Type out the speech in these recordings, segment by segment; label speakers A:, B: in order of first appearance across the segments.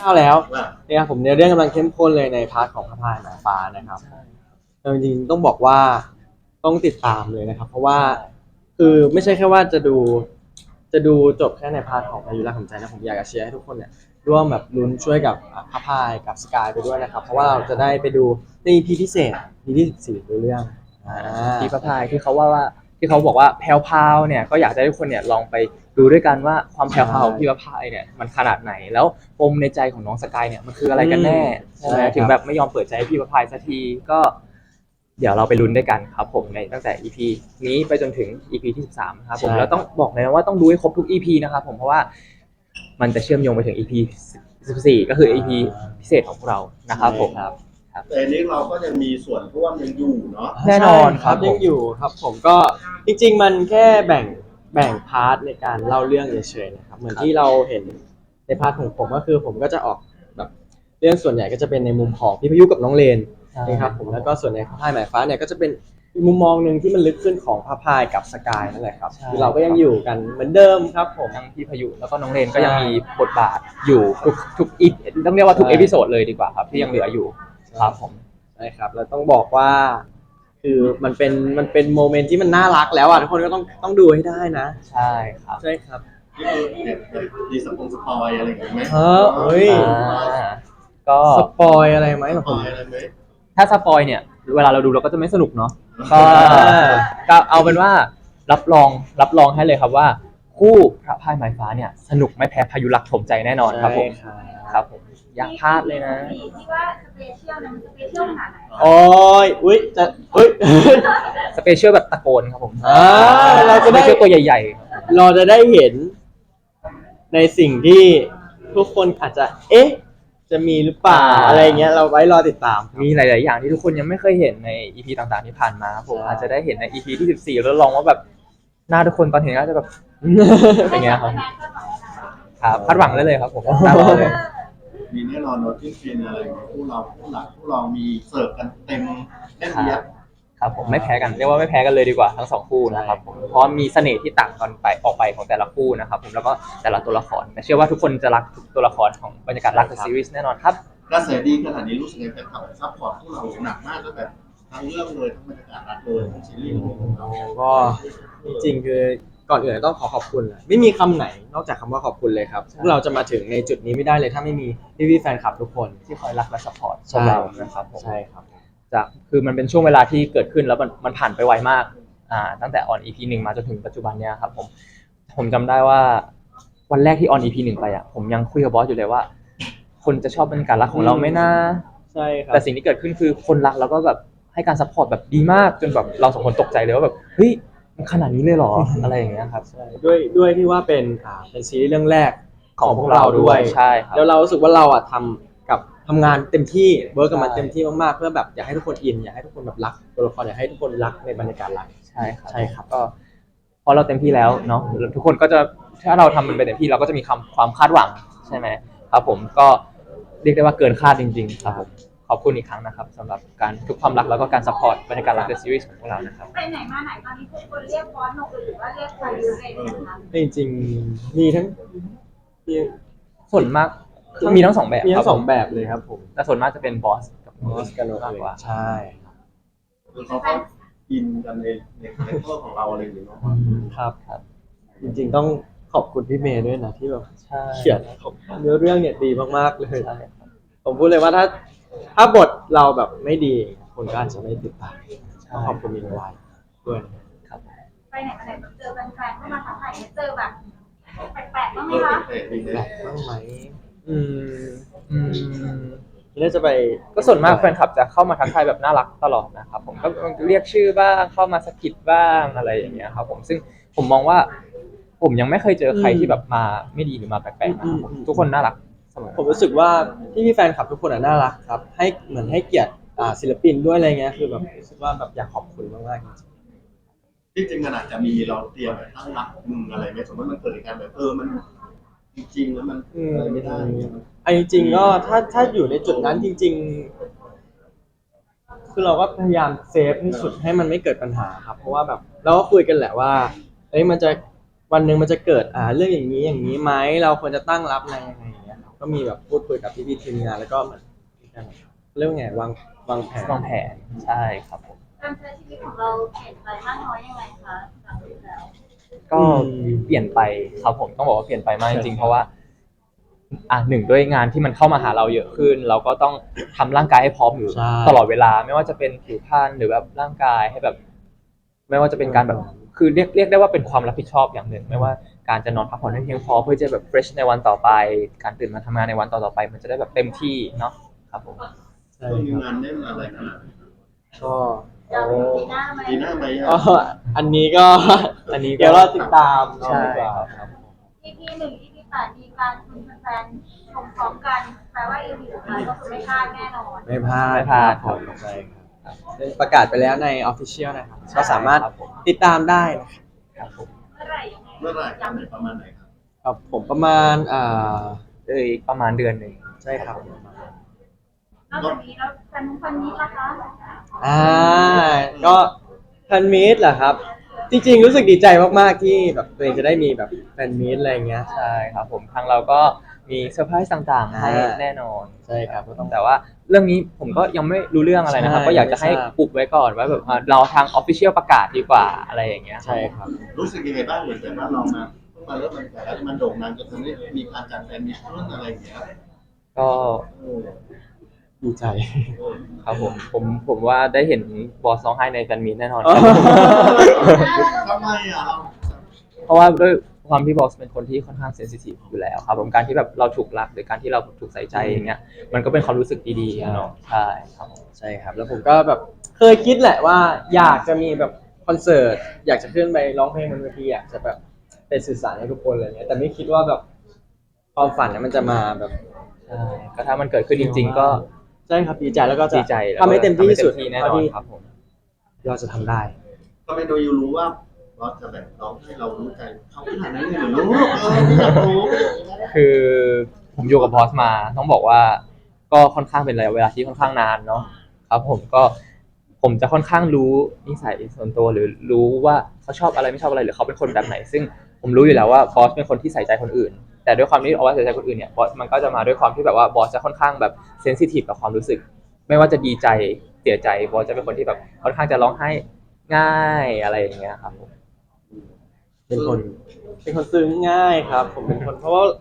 A: าวแล้วนะครับผมเรื่องกำลังเข้มข้นเลยในพาร์ทของพระพายหมายฟ้านะครับจริงๆต้องบอกว่าต้องติดตามเลยนะครับเพราะว่าคือไม่ใช่แค่ว่าจะดูจบแค่ในพาร์ทของพายุรักของใจนะผมอยากจะเชียร์ให้ทุกคนเนี่ยร่วมแบบลุ้นช่วยกับพระพายกับสกายไปด้วยนะครับเพราะว่าเราจะได้ไปดูใน EP พิเศษ EP ที่14ดูเรื่อง
B: ที่พระพายที่เขาว่าที่เขาบอกว่าแพลวพราวเนี่ยก็อยากให้ทุกคนเนี่ยลองไปดูด้วยกันว่าความแพลวพราวของพี่พระพายเนี่ยมันขนาดไหนแล้วปมในใจของน้องสกายเนี่ยมันคืออะไรกันแน่ใช่ไหมถึงแบบไม่ยอมเปิดใจให้พี่พระพายสักทีก็เดี๋ยวเราไปลุ้นด้วยกันครับผมในตั้งแต่ EP นี้ไปจนถึง EP ที่13ครับผมแล้วต้องบอกเลยนะว่าต้องดูให้ครบทุก EP นะครับผมเพราะว่ามันจะเชื่อมโยงไปถึง EP 14ก็คือ EP พิเศษของพวกเรานะครับผมครับ
C: แต่นี้เราก็ยังมีส่วนร่วมยังอยู่เนาะ
B: แน่นอนครับ
A: ยังอยู่ครับผมก็จริงๆมันแค่แบ่งพาร์ทในการเล่าเรื่องเฉยๆนะครับเหมือนที่เราเห็นในพาร์ทของผมก็คือผมก็จะออกแบบเรื่องส่วนใหญ่ก็จะเป็นในมุมของพี่พายุกับน้องเลนนะครับผมแล้วก็ส่วนในพระพายหมายฟ้าเนี่ยก็จะเป็นมุมมองหนึ่งที่มันลึกขึ้นของพระพายกับสกายนั่นแหละครับคือเราก็ยังอยู่กันเหมือนเดิมครับผม
B: ทั้งพี่พายุแล้วก็น้องเลนก็ยังมีบทบาทอยู่ทุกอีต้องเรียกว่าทุกเอพิโซดเลยดีกว่าครับที่ยังเหลืออยู่ครับผม
A: ใช่ครับแล้วต้องบอกว่าคือมันเป็นโมเมนต์ที่มันน่ารักแล้วอ่ะทุกคนก็ต้องดูให้ได้นะ
B: ใช่ครับ
A: ใช่ครับ
C: นี่คือดีสปอยอะไรอย่างเงี้ยไหม
A: เฮ้ย
B: ก็
A: สปอยอะไรไหม
C: สปอยอะไรไหม
B: ถ้าสปอยเนี่ยเวลาเราดูเราก็จะไม่สนุกเนาะก็เอาเป็นว่ารับรองให้เลยครับว่าคู่พระพายหมายฟ้าเนี่ยสนุกไม่แพ้พายุรักถมใจแน่นอนครับผมครับผมอยากพลาดเลยนะ
D: ที่ว่าสเปเชียลนะมันสเปเชียลขนาดไหน
A: โอ้ยอุ้ยจะอุ้ย
B: สเปเชียลแบบตะโกนครับผม
A: เราจะได้
B: ตัวใหญ่
A: ๆเราจะได้เห็นในสิ่งที่ทุกคนอาจจะจะมีหรือเปล่าอะไรเงี้ยเราไว้รอติดตาม
B: มีหลายๆอย่างที่ทุกคนยังไม่เคยเห็นใน EP ต่างๆที่ผ่านมาผมอาจจะได้เห็นใน EP ที่14แล้วลองว่าแบบหน้าทุกคนตอนเห็นก็จะแบบอย่างเงี้ยครับคาดหวังได้เลยครับผม
C: มีแน่นอนโน้ตที่เป็นอะไรผู้เรามีเสิร์ฟกันเต็มแน่นเอียด
B: ครับผมไม่แพ้กันเรียกว่าไม่แพ้กันเลยดีกว่าทั้งสองคู่นะครับผมเพราะมีเสน่ห์ที่ต่างกันไปออกไปของแต่ละคู่นะครับผมแล้วก็แต่ละตัวละครเชื่อว่าทุกคนจะรักทุกตัวละครของบรรยากาศรักซีรีส์แน่นอนครับ
C: กระแสดีขนาดนี้รู้สึกไงแฟนคลับซัพพอร์ตพวกเราหนักมากตั้งแต่ทั้งเรื่องเลยทั้งบรรยากาศรักเลยทั้งซีรีส์ของเรา
A: ก็จริงๆคือก่อนอื่นต้องขอบคุณไม่มีคำไหนนอกจากคำว่าขอบคุณเลยครับพวกเราจะมาถึงในจุดนี้ไม่ได้เลยถ้าไม่มีพี่แฟนคลับทุกคน
B: ที่คอยรักและซัพพอร์ตพวกเรานะครับผม
A: ใช่ครับ
B: คือมันเป็นช่วงเวลาที่เกิดขึ้นแล้วมันผ่านไปไวมากตั้งแต่ออน EP 1มาจนถึงปัจจุบันเนี้ยครับผมจำได้ว่าวันแรกที่ออน EP 1ไปผมยังคุยกับบอสอยู่เลยว่าคนจะชอบบรรยากาศรักของเราไหมนะ
A: ใช่ครับ
B: แต่สิ่งที่เกิดขึ้นคือคนรักแล้วก็แบบให้การซัพพอร์ตแบบดีมากจนแบบเราสองคนตกใจเลยว่าแบบเฮ้ยมันขนาดนี้เลยเหรออะไรอย่างเงี้ยครับ
A: ด้วยที่ว่าเป็นซีรีส์เรื่องแรกของพวกเราด้วย
B: ใช่ครับ
A: แล้วเรารู้สึกว่าเราทำงานเต็มที่เวิร์กกับมันเต็มที่มากๆเพื่อแบบอยากให้ทุกคนอินอยากให้ทุกคนแบบรักตัวละครอยากให้ทุกคนรักในบรรยากาศรัก
B: ใช่ครับก็พอเราเต็มที่แล้วเนาะทุกคนก็จะถ้าเราทำมันไปเต็มที่เราก็จะมีความคาดหวังใช่ไหมครับผมก็เรียกได้ว่าเกินคาดจริงๆครับผมขอบคุณอีกครั้งนะครับสำหรับการทุกความรักแล้วก็การซัพพอร์ตบรรยากาศรักในซีรีส์ของพวกเรานะครับ
D: ไปไหนมาไหนตอนนี้ทุกคนเรียกบอสหนกหรือว่าเรียกใครเลยนะคะ
A: จริงๆมีทั้ง
B: ส่วนมากมีทั้งสองแบบ
A: มีทั้งสองแบบเลยครับผม
B: แต่ส่วนมากจะเป็นบอส
A: กันมากกว่าใช่
C: คือเขาก็อินกันในตัวของเราอะไรอย่างเงี้ย
A: ครับจริงๆต้องขอบคุณพี่เมย์ด้วยนะที่แบบเขียนเนื้อเรื่องเนี่ยดีมากๆเลยผมพูดเลยว่าถ้าบทเราแบบไม่ดีคนก็อาจจะไม่ติดตามขอบคุณมีไว้ด้วย
D: ครับไปไหนมาไหนเจอแฟนๆเข้ามาทักทายเจอแบบแปลกๆบ้างไหมคะ
A: แปลกบ้างไหมน่าจะไป
B: ก็ส่วนมากแฟนคลับจะเข้ามาทักทายแบบน่ารักตลอดนะครับผมก็เรียกชื่อบ้างเข้ามาสกิดบ้างอะไรอย่างเงี้ยครับผมซึ่งผมมองว่าผมยังไม่เคยเจอใครที่แบบมาไม่ดีหรือมาแปลกๆนะครับทุกคนน่ารักเสมอ
A: ผมรู้สึกว่าพี่แฟนคลับทุกคนน่ารักครับให้เหมือนให้เกียรติศิลปินด้วยอะไรเงี้ยคือแบบรู้สึกว่าแบบอยากขอบคุณมากๆ
C: จริงๆขนาดจะมีเราเตรียมแบบตั้งรับมึงอะไรไหมสมมติมันเกิดเหตุการณ์แบบมันจริงๆแล้วมันอะไรไม่ได้
A: จริงๆก็ถ้าอยู่ในจุดนั้นจริงๆคือเราก็พยายามเซฟที่สุดให้มันไม่เกิดปัญหาครับเพราะว่าแบบเราก็คุยกันแหละว่ามันจะวันหนึ่งมันจะเกิดเรื่องอย่างนี้ไหมเราควรจะตั้งรับอะไรยังไงอย่างเงี้ยก็ก็มีแบบพูดคุยกับพี่ๆทีมงานแล้วก็เหมือนมีการเรียกว่าไงวางแผน
B: วางแผนใช่ครับผม
D: การใช้ชีวิตของเราเปลี่ยนไปมากน้อยยังไงคะจากที่แล้ว
B: ก็เปลี่ยนไปครับผมต้องบอกว่าเปลี่ยนไปมากจริงๆเพราะว่าหนึ่งด้วยงานที่มันเข้ามาหาเราเยอะขึ้น เราก็ต้องทำร่างกายให้พร้อมอยู่
A: ใช่
B: ตลอดเวลาไม่ว่าจะเป็นผิวพรรณหรือแบบร่างกายให้แบบ ไม่ว่าจะเป็นการแบบคือเรียกได้ว่าเป็นความรับผิดชอบอย่างหนึ่งไม่ว่าการจะนอนพักผ่อนให้เพียงพอเพื่อจะแบบ fresh ในวันต่อไป การตื่นมาทำงานในวันต่อๆไป มันจะได้แบบเต็มที่เนาะครับผม
A: ใช่
C: ช่วงนี้
A: ครับ
C: งานแน่นอะไรขนาดไหน
A: ก็
D: จะมีปีหน้าไหม
C: ปีหน้าไหม
A: ก็
C: อ่ะ
A: อันนี้ก็
B: อันนี้ก็
A: เดี๋ยวเราติดตาม
B: ใช่
A: ดีกว่า
B: ครับ
D: EP 1 EP 8มีการคุณแฟนๆชมพร้อมกันแปลว่า EP สุดท้ายก็คือไม่พลาดแน่นอน
A: ไม่พลาด
B: ไม่พลาด
A: ครับผมใช่ครับประกาศไปแล้วใน Official นะครับก็สามารถ
B: ครับผม
A: ติดตามได้นะครับ
B: ครับผม
D: เมื่อไหร่ยังไง
C: เมื่อไหร่กันไหนประมาณไหนครับ
A: ครับผมประมาณ
B: อีกประมาณเดือนหนึ่ง
A: ใช่ครับ
D: นอกจากนี้แล้วแฟนนี้ล่ะคะ
A: ก็แฟนมีตเหรอครับ จริงๆรู้สึกดีใจมากๆที่แบบตัวเองจะได้มีแบบแฟนมีตอะไรเงี้ย
B: ใช่ครับผมทางเราก็มีเซอร์ไพรส์ต่างๆให้
A: อ่า
B: แน่นอน
A: ใช่ครับก็ต้อง
B: แต่ว่าเรื่องนี้ผมก็ยังไม่รู้เรื่องอะไรนะครับ
A: ใช่
B: ก็อยากจะให้
A: ไม่ทราบ
B: อุบไว้ก่อนว่าแบบเราทางออฟฟิเชียลประกาศดีกว่าอะไรอย่างเงี้ย
A: ใช่ครับ
C: รู้สึกยังไงบ้างเหมือนแต่ว่าเรามาเพิ่งมาเริ่มมันแต่แล้วมันโด่งดังจนทำให้มีการจัดแฟนมีตเรื่องอะไรอย่างเงี้ย
B: ก็
C: เออ
A: ดีใจ
C: เออ
B: ครับผมว่าได้เห็นบอสร้องไห้ในแฟนมีตแน่นอน
C: ทำไมอ่ะเรา
B: เพราะว่าด้วยความที่บอสเป็นคนที่ค่อนข้างเซนซิทีฟอยู่แล้วครับผมการที่แบบเราถูกรักหรือการที่เราถูกใส่ใจอย่างเงี้ยมันก็เป็นความรู้สึกดีๆอะเนาะใช่ครับผม
A: ใช่ครับ แล้วผมก็แบบเคยคิดแหละว่าอยากจะมีแบบคอนเสิร์ตอยากจะขึ้นไปร้องเพลงบนเวทีอยากจะแบบไปสื่อสารให้ทุกคนอะไรเงี้ยแต่ไม่คิดว่าแบบความฝันเนี่ยมันจะมาแบบ
B: ใช่ก็ถ้ามันเกิดขึ้นจริง ๆ ก็
A: ใช่ครับดีใจแล้วก็จะ
B: ดีใจแล้ว
A: ทำให้เต็มที่ที่สุด
B: ทำให้เต็มที่แน่นอนครับผม
A: เราจะทำได้
C: ก็เป็นโดยยูรู้ว่าเราจะแบบร้องให้เรารู้ใจเขาขนาดนั้นเลยเหรอลูกไม่อยากรู้
B: คือผมอยู่กับบอสมาต้องบอกว่าก็ค่อนข้างเป็นระยะเวลาที่ค่อนข้างนานเนาะครับผมจะค่อนข้างรู้นิสัยส่วนตัวหรือรู้ว่าเขาชอบอะไรไม่ชอบอะไรหรือเขาเป็นคนแบบไหน ซึ่งผมรู้อยู่แล้วว่าบอสเป็นคนที่ใส่ใจคนอื่น แต่ด้วยความที่เอาว่าใส่ใจคนอื่นเนี่ยบอสมันก็จะมาด้วยความที่แบบว่าบอสจะค่อนข้างแบบเซนซิทีฟกับความรู้สึก ไม่ว่าจะดีใจเสียใจบอสจะเป็นคนที่แบบค่อนข้างจะร้องไห้ง่ายอะไรอย่างเงี้ยครับผม
A: เป็นคนซึ้งง่ายครับ ผมเป็นคนเพราะว่า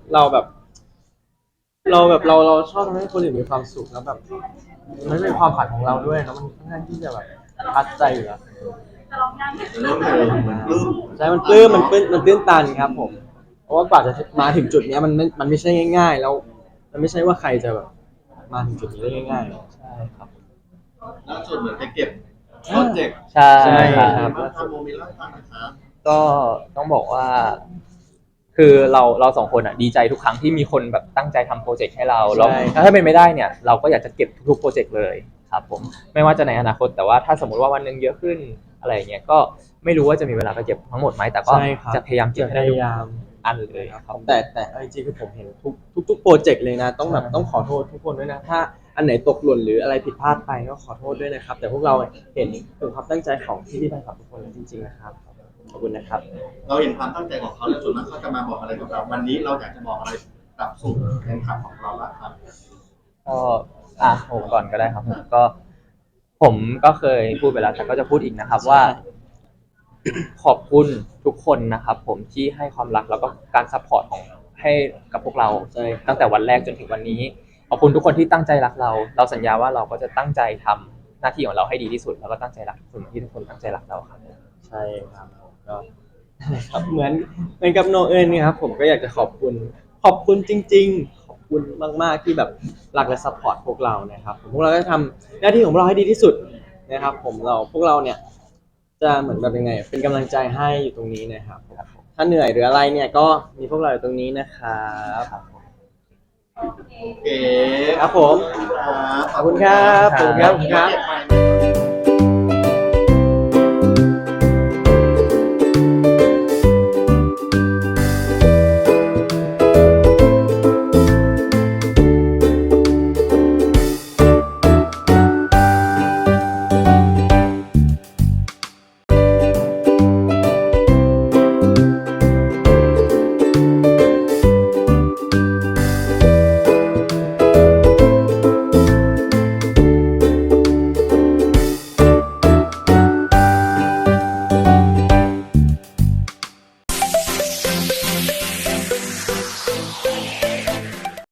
A: เราชอบทำให้คนอื่นมีความสุขแล้วแบบมันเป็นความฝันของเราด้วยแล้วมันค่อนข้างที่จะแบบทัดใจอยู่แล้ว
D: จะร้องยัง
C: เริ่มเลยเหมือนปลื้ม
A: ใช่มันปลื้มมันตื้นตันครับ ผม เพราะว่ากว่าจะมาถึงจุดเนี้ยมันไม่ใช่ง่าย ๆ แล้ว มันไม่ใช่ว่าใครจะแบบมาถึงจุดนี้ได้ง่ายๆ
B: ใช่ครับ
C: ล่าสุดเหมือนไปเก็บโปรเจกต์
B: ใช่
A: ใช่
B: ครับ
A: ครับ
C: มาทำโมเมนต์ล่าสุดนะครับ
B: ก็ต้องบอกว่า คือเราสองคนอ่ะดีใจทุกครั้งที่มีคนแบบตั้งใจทำโปรเจกต์ให้เราแล้ว
A: ใช่
B: ถ้าเป็นไม่ได้เนี่ยเราก็อยากจะเก็บทุกๆโปรเจกต์เลยครับผมไม่ว่าจะในอนาคตแต่ว่าถ้าสมมติว่าวันหนึงเยอะขึ้นอะไรอย่างเงี้ยก็ไม่รู้ว่าจะมีเวลาไปเก็บทั้งหมดไหมแต่ก็
A: ใช่ครับ
B: จะพยายามเก็บ
A: จะ
B: ให้
A: พ
B: ได้ทุก
A: ยายาม
B: อันเลยครับ
A: แต่เอาจริงๆคือผมเห็นทุกโปรเจกต์เลยนะต้องแบบต้องขอโทษทุกคนด้วยนะถ้าอันไหนตกหล่นหรืออะไรผิดพลาดไปก็ขอโทษด้วยนะครับ แต่พวกเราเห็นถึงความตั้งใจของพี่ๆแฟนคลับทุกคนเลยจริงๆนะครับขอบคุณนะครับ
C: เราเห็นความตั้งใจของเขาแล้วส่วนมากเขาจะมาบอกอะไรกับเราวันนี้เราอยากจะบอกอะไรกับสู่แฟนคลับของเราบ้างครับ
B: ก็ผมก่อนก็ได้ครับผมก็เคยพูดไปแล้วแต่ก็จะพูดอีกนะครับว่า ขอบคุณทุกคนนะครับผมที่ให้ความรักแล้วก็การซัพพอร์ตของให้กับพวกเรา
A: ใช่ครับ
B: ตั้งแต่วันแรกจนถึงวันนี้ขอบคุณทุกคนที่ตั้งใจรักเรา เราสัญญาว่าเราก็จะตั้งใจทำหน้าที่ของเราให้ดีที่สุดแล้วก็ตั้งใจรักทุกคนเหมือนที่ทุกคนตั้งใจรักเราครับ
A: ใช่ครับผมก็ ครับเหมือนกับโนเอิญนี่ครับผมก็อยากจะขอบคุณจริง ๆ ขอบคุณมากๆที่แบบรักและซัพพอร์ตพวกเรานะครับพวกเราก็ทำหน้าที่ของเราให้ดีที่สุดนะครับผมพวกเราเนี่ยจะเหมือนแบบยังไงเป็นกำลังใจให้อยู่ตรงนี้นะครับถ้าเหนื่อยหรืออะไรเนี่ยก็มีพวกเราอยู่ตรงนี้นะครับ
D: โอเค
C: โอเค
A: ครับผม
C: ครับ
A: ขอบคุณครับขอบคุณครับ
C: เก็บไป